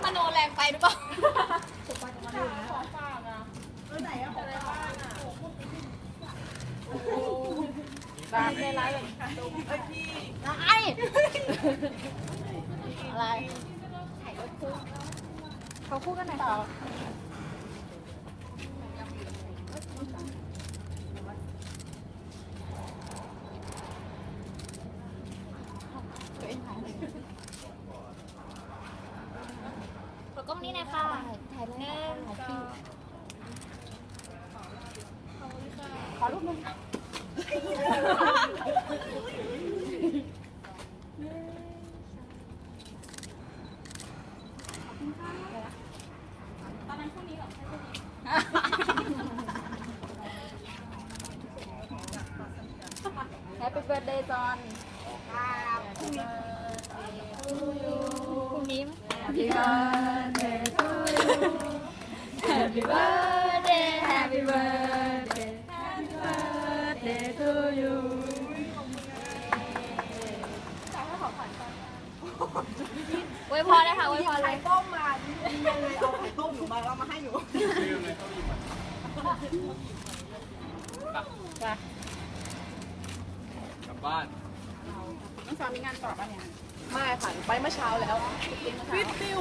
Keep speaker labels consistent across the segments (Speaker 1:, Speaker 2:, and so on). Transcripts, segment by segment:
Speaker 1: มโนแรงไปหรือเปล่า
Speaker 2: ของฝากอ่ะไหนอะของฝากอ่ะตามในร้านเลยพี่
Speaker 1: อะไรเขาคู่กันไหนต่อขอกล้องนี้หน่อยค่ะถ่ายหนึ่งขอรูปนึงตอนนั้นพรุ่งนี้หรอแฮปปี้เบิร์ดเดย์จอนพรุ่งนี้ไหม Happy birthday to you Happy birthday Happy birthday Happy birthday to you อวยพรเลยค่ะอวยพรเลย
Speaker 2: ต้มมายังเลยเอาไข่ต้มหนูมาแล้วมาให้หนู
Speaker 3: กลับบ้าน
Speaker 2: น้องสาวมีงานต่อป่ะเนี่ยไม่ค่ะไปเมื่อเช้าแล้วฟิตติ้ว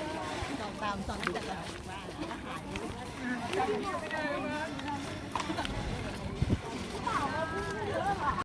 Speaker 1: ตามสอนจากบ้าน